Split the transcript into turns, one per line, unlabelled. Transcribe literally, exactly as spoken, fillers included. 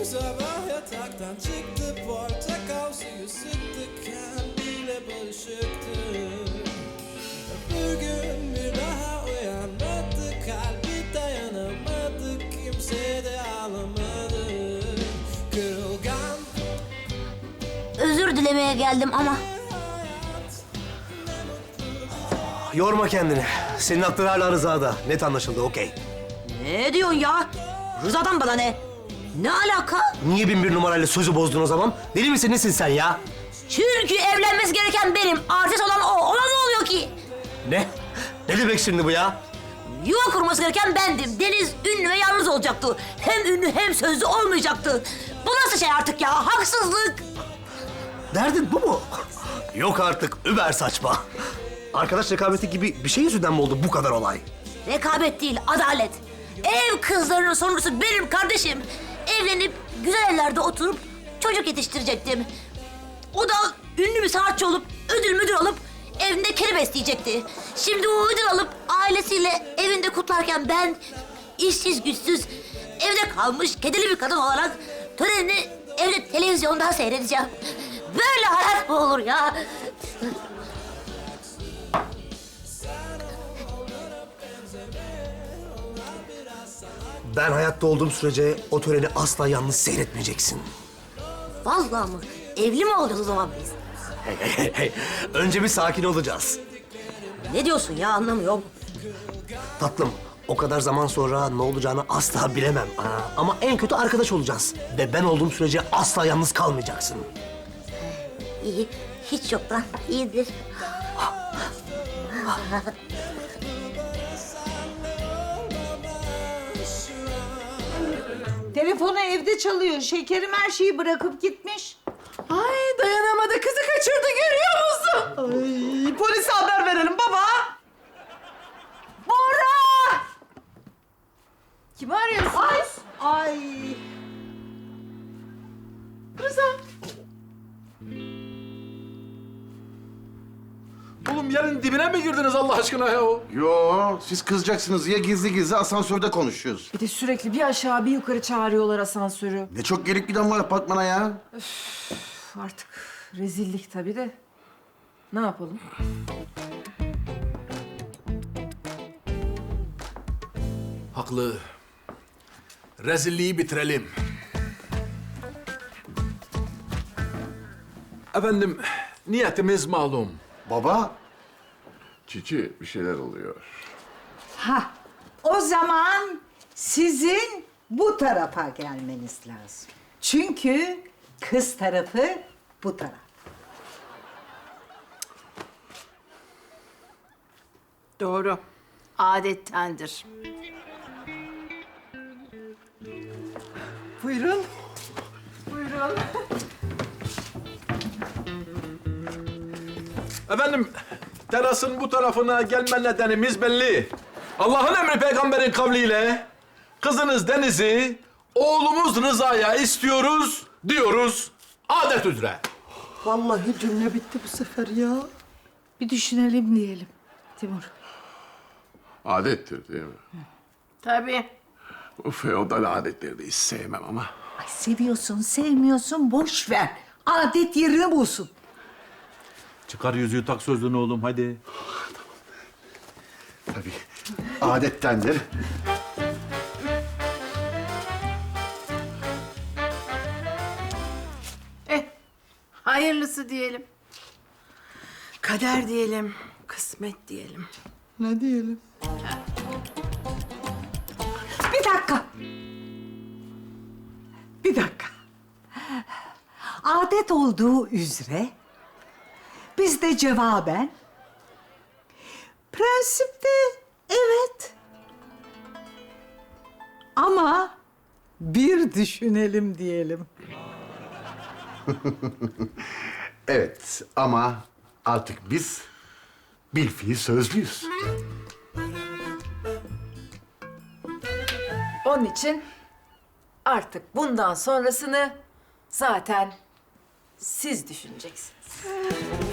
sabah yataktan çıktı, portakal suyu sıktı, kendiyle barışıktı. Bir gün bir daha uyanmadı, kalbi dayanamadı, kimse de ağlamadı. Kırılgan
Özür dilemeye geldim ama
Yorma kendini. Senin aklın hala Rıza'da. Net anlaşıldı, okey.
ne diyorsun ya? Rıza'dan bana ne? Ne alaka?
Niye bin bir numarayla sözü bozdun o zaman? Deli misin, nesin sen ya?
Çünkü evlenmesi gereken benim, artist olan o. Ona ne oluyor ki?
Ne? Ne demek şimdi bu ya?
Yuva kurması gereken bendim. Deniz ünlü ve yalnız olacaktı. Hem ünlü hem sözlü olmayacaktı. Bu nasıl şey artık ya? Haksızlık.
Derdin bu mu? Yok artık, über saçma. Arkadaş rekabeti gibi bir şey yüzünden mi oldu bu kadar olay?
Rekabet değil, adalet. Ev kızlarının sonuncusu benim kardeşim. Evlenip güzel evlerde oturup çocuk yetiştirecektim. O da ünlü bir sanatçı olup, ödül müdür alıp evinde kedi besleyecekti. Şimdi o ödül alıp ailesiyle evinde kutlarken ben işsiz güçsüz evde kalmış kedili bir kadın olarak törenini evde televizyondan seyredeceğim. Böyle hayat mı olur ya?
Ben hayatta olduğum sürece o töreni asla yalnız seyretmeyeceksin.
Vallahi mı? Evli mi olacağız o zaman biz?
Hey, hey, hey, hey. Önce bir sakin olacağız.
Ne diyorsun ya, anlamıyorum.
Tatlım, o kadar zaman sonra ne olacağını asla bilemem. Aa, ama en kötü arkadaş olacağız. Ve ben olduğum sürece asla yalnız kalmayacaksın.
İyi, hiç yoktan iyidir.
Telefonu evde çalıyor. Şekerim her şeyi bırakıp gitmiş.
Ay dayanamadı, kızı kaçırdı, görüyor musun? Ay, polise haber verelim baba.
Bora!
Kimi arıyorsunuz?
Ay! Ay!
Rıza.
Oğlum yerin dibine mi girdiniz Allah aşkına ya?
Yo, siz kızacaksınız diye gizli gizli asansörde konuşuyoruz.
Bir de sürekli bir aşağı bir yukarı çağırıyorlar asansörü.
Ne çok gelip giden var apartmana ya.
Üf, artık rezillik tabii de. Ne yapalım?
Haklı. Rezilliği bitirelim. Efendim, niyetimiz malum.
Baba, Çiçi bir şeyler oluyor.
Ha, o zaman sizin bu tarafa gelmeniz lazım. Çünkü kız tarafı bu taraf.
Doğru. Adettendir.
Buyurun. Buyurun.
Efendim, terasın bu tarafına gelme nedenimiz belli. Allah'ın emri peygamberin kavliyle kızınız Deniz'i oğlumuz Rıza'ya istiyoruz diyoruz adet üzere.
Vallahi cümle bitti bu sefer ya. Bir düşünelim diyelim Timur.
Adettir değil mi?
Tabii.
Bu feodal adetleri de hiç sevmem ama.
Ay seviyorsun, sevmiyorsun, boş ver. Adet yerini bulsun.
Çıkar yüzüğü tak sözlüğünü oğlum hadi.
Tabii, adettendir.
Eh, hayırlısı diyelim. Kader diyelim, kısmet diyelim.
Ne diyelim?
Bir dakika. Bir dakika. Adet olduğu üzere biz de cevaben prensipte evet ama bir düşünelim diyelim.
Evet ama artık biz bilfiil sözlüyüz.
Onun için artık bundan sonrasını zaten siz düşüneceksiniz.